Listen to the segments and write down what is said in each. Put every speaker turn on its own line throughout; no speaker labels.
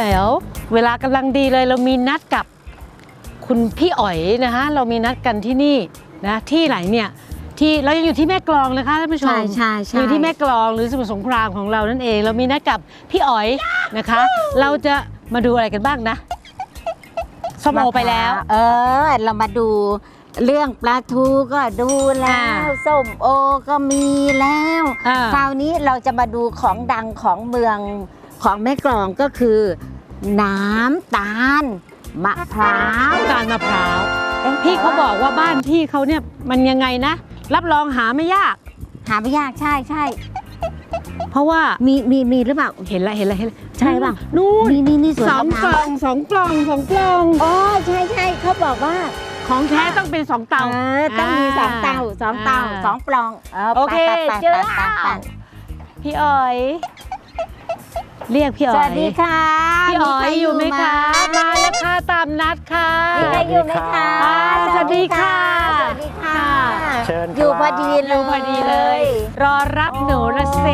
แล้วเวลากำลังดีเลยเรามีนัดกับคุณพี่อ๋อยนะคะเรามีนัดกันที่นี่นะที่ไหนเนี่ยที่เรายังอยู่ที่แม่กลองนะคะท่านผู้ชม
ใช่
อยู่ที่แม่กลองหรือสมุทรสงครามของเรานั่นเองเรามีนัดกับพี่อ๋อยนะคะเราจะมาดูอะไรกันบ้างนะส้มโอไปแล้ว
เรามาดูเรื่องปลาทูก็ดูแล้วส้มโอก็มีแล้วคราวนี้เราจะมาดูของดังของเมืองของแม่กลองก็คือน้ำตาลมะพร้าว
มะพร้าวพี่เขาบอกว่าบ้านพี่เขาเนี่ยมันยังไงนะรับรองหาไม่ยาก
ใช่
เพราะว่า
มีหรือเปล่า
เห็นแล้ว
ใช่ป่ะ
นู่น
นี่
สองกล่อง
อ๋อใช่เขาบอกว่า
ของแท้ต้องเป็น2เตา
ต้องมี2 เตา2 ปล่อง
โอเคเจอพี่อ๋อยเรียกพี่อ๋อย
สวัสดีค่ะ
พี่อ๋อยอยู่ไหมคะมาแล้วค่ะตามนัดค่ะ
มีใครอยู่ไหมคะ
สวัสดีค่ะ
เชิญ
อยู่พอดี
เลยรอรับหนูละเซ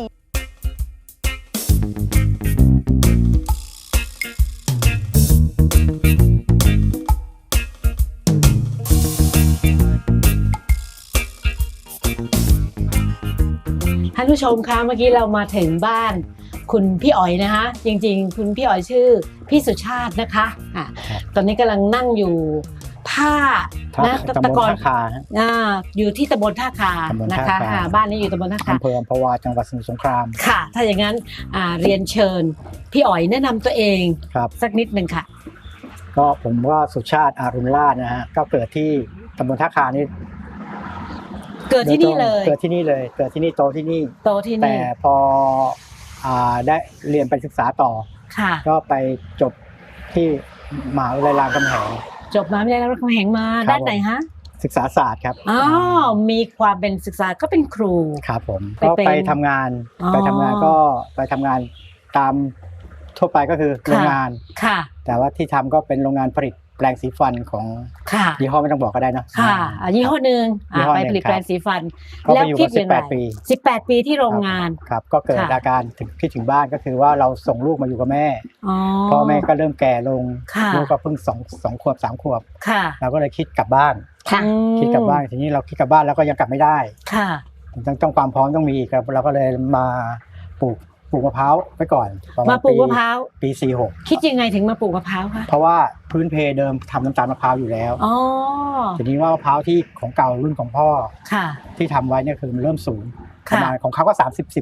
ท่านผู้ชมคะเมื่อกี้เรามาถึงบ้านคุณพี่อ๋อยนะคะจริงๆคุณพี่อ๋อยชื่อพี่สุชาตินะคะตอนนี้กำลังนั่งอยู่ท่า
นะตำบลท่าคา
อยู่ที่ตำบลท่าคานะคะบ้านนี้อยู่ตำบลท่าคา
อำเภออัมพวาจังหวัดสมุทรสงคราม
ค่ะถ้าอย่างนั้นเรียนเชิญพี่อ๋อยแนะนำตัวเองสักนิดนึงค่ะ
ก็ผมว่าสุชาติอารุณราชนะฮะก็เกิดที่ตำบลท่าคานี่
เกิดที่นี่เลย
เกิดที่นี่โตที่นี่แต่พอได้เรียนไปศึกษาต่อก็ไปจบที่มหาวิทยาลัยรามคำแหง
จบมหาวิทยาลัยรามคำแหงมาด้านไหนฮะ
ศึกษาศาสตร์ครับ
มีความเป็นศึกษาก็เป็นครู
ครับผมก็ไปทำงานก็ไปทำงานตามทั่วไปก็คือโรงงานแต่ว่าที่ทำก็เป็นโรงงานผลิตแปรงสีฟันของยี่ห้อไม่ต้องบอกก็ได้นะ
ยี่ห้อหนึ่งไปผลิตแปรงสีฟัน
แล้วคิดยังไง
18 ปีที่โรงงาน
ครับก็เกิดอาการคิดถึงบ้านก็คือว่าเราส่งลูกมาอยู่กับแม่พ่อแม่ก็เริ่มแก่ลงลูกก็เพิ่ง2 ขวบ 3 ขวบเราก็เลยคิดกลับบ้านทีนี้เราคิดกลับบ้านแล้วก็ยังกลับไม่ได้ต้องความพร้อมต้องมีอีกครับเราก็เลยมาปลูกมะพร้าวไว้ก่อน
มาปลูกมะพร้าว
ปี46
คิดยังไงถึงมาปลูกมะพร้าวคะ
เพราะว่าพื้นเพเดิมทำน้ำตาลมะพร้าวอยู่แล้วทีนี้ว่ามะพร้าวที่ของเก่ารุ่นของพ่อที่ทำไว้เนี่ยคือมันเริ่มสูงประมาณของเขาก็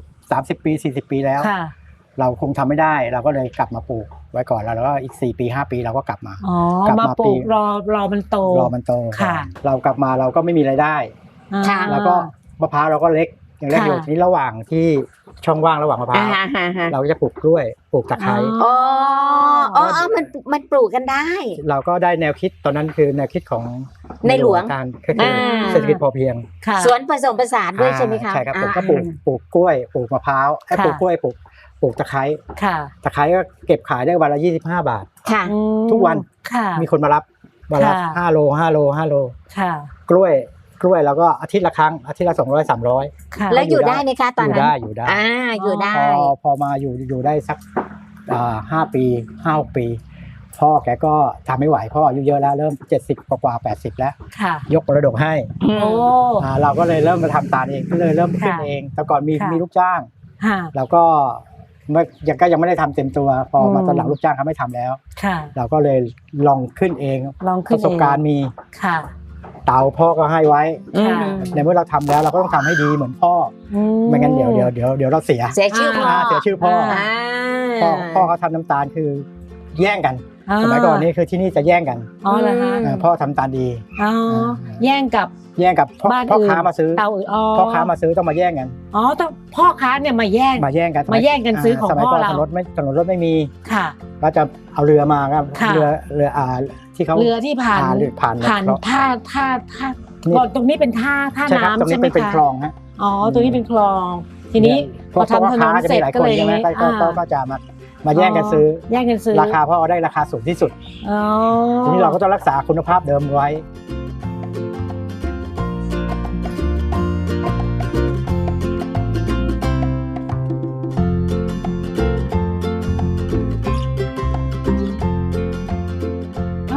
30 ปี40 ปีแล้วเราคงทำไม่ได้เราก็เลยกลับมาปลูกไว้ก่อนแล้วก็อีก4 ปี 5 ปีเราก็กลับมา
ปลูกรอมันโต
เรากลับมาเราก็ไม่มีรายได้แล้วก็มะพร้าวเราก็เล็กอย่างแรกอยู่ที่ระหว่างที่ช่องว่างระหว่างมะพร้าวเราจะปลูกกล้วยปลูกตะไคร้
มันปลูกกันได้
เราก็ได้แนวคิดตอนนั้นคือแนวคิดของ
ในหลวง
คือเศรษฐกิจพอเพียง
สวนผสมผสานด้วยใช่ไหมคะ
ใช่ครับผมก็ปลูกกล้วยปลูกมะพร้าวปลูกกล้วยปลูกตะไคร้ตะไคร้ก็เก็บขายได้วันละ25 บาททุกวันมีคนมารับวันละ5 โลกล้วยแล้วก็อาทิตย์ละครั้งอาทิตย์ละ200 300
แล้วอยู่ได้ไหมคะตอนนั้น
อยู่
ได้
พอมาอยู่ได้สัก5 ปี 5-6 ปีพ่อแกก็ทำไม่ไหวพ่ออายุเยอะแล้วเริ่ม70 กว่า80แล้วยกมรดกให้เราก็เลยเริ่มมาทำตาลเองก็เลยเริ่มขึ้นเองแต่ก่อนมีลูกจ้างเราก็ยังไม่ได้ทำเต็มตัวพอมาตอนหลังลูกจ้างเขาไม่ทำแล้วเราก็เลยลองขึ้นเองประสบการณ์มีเตาพ่อก็ให้ไว้ในเมื่อเราทำแล้วเราก็ต้องทำให้ดีเหมือนพ่อไม่งั้นเดี๋ยวเราเสีย
ชื่อ
พ่อเขาทำน้ำตาลคือแย่งกันสมัยก่อนนี่คือที่นี่จะแย่งกันพ่อทำตาลดี
แย่งกับ
พ่อค้ามาซื้อพ่อค้ามาซื้อต้องมาแย่งกัน
ต้องพ่อค้าเนี่ยมาแย่งกันซื้อของพ่อเรา
ถนนรถไม่มีก็จะเอาเรือมาครับเรือ
เรือที่ผ่านท่าตรงนี้เป็นท่าน้ำใช่ไหมคะ
เป็นคลองฮะ
ตรงนี้เป็นคลองทีนี้พอทำถนนเสร็จก็เลย
ก็จะมาแย่งกันซื้อราคาพ่อได้ราคาสูงที่สุดทีนี้เราก็ต้องรักษาคุณภาพเดิมไว้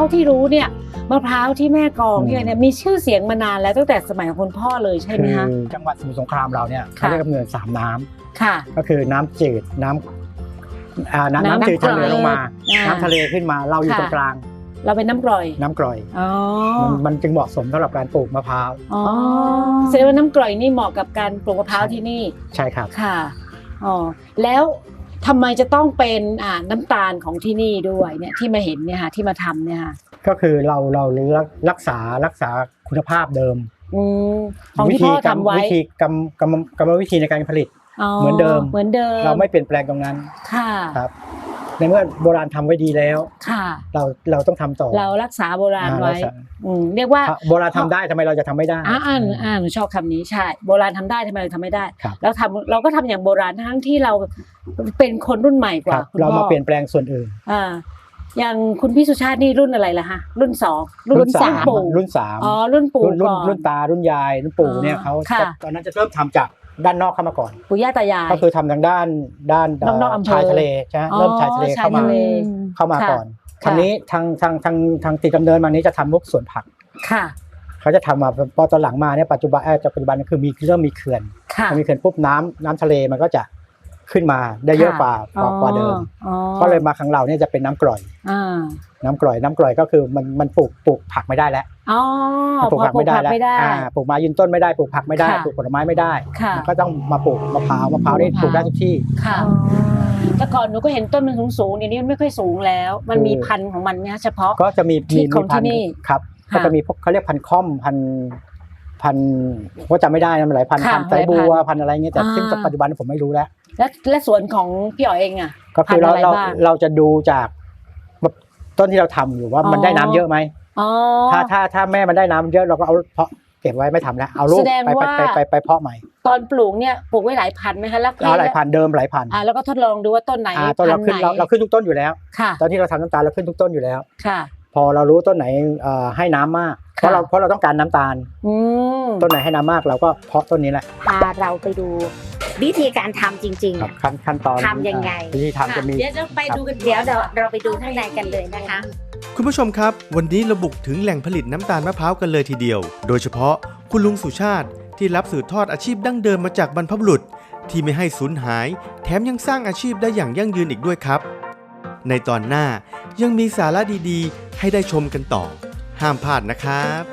าที่รู้เนี่ยมะพร้าวที่แม่กลองเนี่ยมีชื่อเสียงมานานแล้วตั้งแต่สมัยของคุณพ่อเลยใช่ไหมคะ
จังหวัดสมุทรสงครามเราเนี่ยเขาเรียกกำเนิด3น้ำ
ค่ะ
ก็คือน้ำจืดน้ำจืดทะเลลงมาน้ำทะเลขึ้นมาเราอยู่ตรงกลาง
เราเป็นน้ำกร่อย
น้ำกร่อยมันจึงเหมาะสมสำหรับการปลูกมะพร้าว
แสดงว่าน้ำกร่อยนี่เหมาะกับการปลูกมะพร้าวที่นี่
ใช่ครับ
ค่ะแล้วทำไมจะต้องเป็นน้ำตาลของที่นี่ด้วยเนี่ยที่มาเห็นเนี่ยค่ะที่มาทำเนี่ยค่ะ
ก็คือเรารักษาคุณภาพเดิม
ของที่พ่อทำไว้
วิธีกรรมวิธีในการผลิตเหมือนเดิมเราไม่เปลี่ยนแปลงตรงนั้น
ค่ะ
ครับในเมื่อโบราณทำไว้ดีแล้ว
ค่ะ
เราต้องทำต่อ
เรารักษาโบราณไว้เรียกว่า
โบราณทำได้ทำไมเราจะทำไม่ได้
หนูชอบคำนี้ใช่โบราณทำได้ทำไมเราทำไม่ได้แล้วเราก็ทำอย่างโบราณทั้งที่เราเป็นคนรุ่นใหม่กว่า
เรามาเปลี่ยนแปลงส่วนอื่น
อย่างคุณพี่สุชาตินี่รุ่นอะไรล่ะฮะรุ่น2รุ่น3
รุ่น3
รุ่นปู่ก่อน
รุ่นตารุ่นยายรุ่นปู่เนี่ยเขาตอนนั้นจะเริ่มทำจากด้านนอกเข้ามาก่อน
ปู่ย่าตายาย
ก็คือทำทางด้านชายทะเลใช่ไหมเริ่มชายทะเลเข้ามาก่อนคราวนี้ทางติดดำเนินมานี้จะทำพวกสวนผัก
ค่ะ
เขาจะทำมาพอตอนหลังมาเนี่ยปัจจุบันคือเริ่มมีเขื่อนมีเขื่อนปุ๊บน้ำทะเลมันก็จะขึ้นมาได้เยอะกว่าเดิมก็เลยมาครั้งเราเนี่ยจะเป็นน้ำกร่อยน้ำกร่อยก็คือมันปลูกผักไม่ได้แล้วปลูกผักไม่ได้แล้วปลูกไม้ยืนต้นไม่ได้ปลูกผักไม่ได้ปลูกผลไม้ไม่ได้ก็ต้องมาปลูกมะพร้าวนี่ปลูกได้ทุกที่
แต่ก่อนหนูก็เห็นต้นมันสูงๆเดี๋ยวนี้มันไม่ค่อยสูงแล้วมันมีพันธุ์ของมันเนี่ยเฉพาะ
ก็จะมี
ของที่นี่
ครับก็จะมีพวกเขาเรียกพันธุ์ค่อมพันว่าจำไม่ได้นะมันหลายพันธุ์ไซบัวพันธุ์อะไรเงี้ยแต่ซึ่งปัจจุบันผมไม่รู้แล้ว
และสวนของพี่อ๋อเอง
ก็คือเราจะดูจากต้นที่เราทำอยู่ว่ามันได้น้ำเยอะไหมถ้าแม่มันได้น้ำเยอะเราก็เอาเพาะเก็บไว้ไม่ทำแล้วเอาลูกไปเพาะใหม่
ตอนปลูกเนี่ยปลูกไว้หลายพันไหมคะแล้ว
หลายพันเดิมหลายพัน
แล้วก็ทดลองดูว่าต้นไหน
ต้นเราขึ้นทุกต้นอยู่แล้วตอนที่เราทำน้ำตาลเราขึ้นทุกต้นอยู่แล้วพอเรารู้ต้นไหนให้น้ำมากเพราะเราต้องการน้ำตาลต้นไหนให้น้ำมากเราก็เพาะต้นนี้แหละ
พาเราไปดูวิธีการทำจริง
ๆขั้นตอน
ทำยังไง
วิธีทำจะมี
เดี๋ยวเราไปดูกันเราไปดูข้างในกันเลยนะคะ
คุณผู้ชมครับวันนี้เราบุกถึงแหล่งผลิตน้ำตาลมะพร้าวกันเลยทีเดียวโดยเฉพาะคุณลุงสุชาติที่รับสืบทอดอาชีพดั้งเดิมมาจากบรรพบุรุษที่ไม่ให้สูญหายแถมยังสร้างอาชีพได้อย่างยั่งยืนอีกด้วยครับในตอนหน้ายังมีสาระดีๆให้ได้ชมกันต่อห้ามพลาดนะครับ